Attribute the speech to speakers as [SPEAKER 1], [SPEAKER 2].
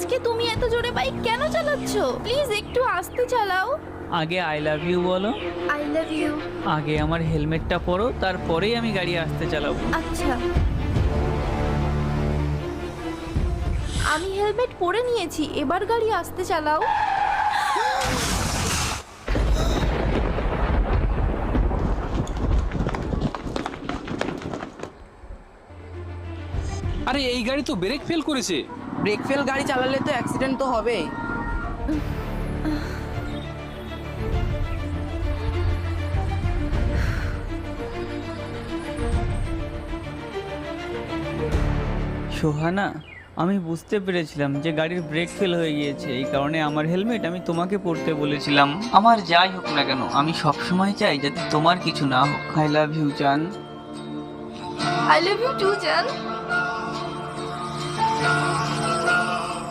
[SPEAKER 1] আজকে তুমি এত জোরে বাইক কেন চালাচ্ছ? প্লিজ একটু আস্তে চালাও।
[SPEAKER 2] আগে আই লাভ ইউ বলো।
[SPEAKER 1] I love you.
[SPEAKER 2] আগে আমার হেলমেটটা পরো, তারপরেই আমি গাড়ি আস্তে চালাবো।
[SPEAKER 1] আচ্ছা, আমি হেলমেট পরে নিয়েছি, এবার গাড়ি আস্তে চালাও।
[SPEAKER 3] আরে এই গাড়ি তো ব্রেক ফেল করেছে।
[SPEAKER 4] ব্রেক ফেল গাড়ি চালালে তো অ্যাক্সিডেন্ট তো হবেই।
[SPEAKER 2] সোহানা, আমি বুঝতে পেরেছিলাম যে গাড়ির ব্রেক ফেল হয়ে গিয়েছে, এই কারণে আমার হেলমেট আমি তোমাকে পরতে বলেছিলাম। আমার যাই হোক না কেন, আমি সবসময় চাই যাতে তোমার কিছু না হোক। আই লাভ ইউ জান।
[SPEAKER 1] আই লাভ ইউ টু জান।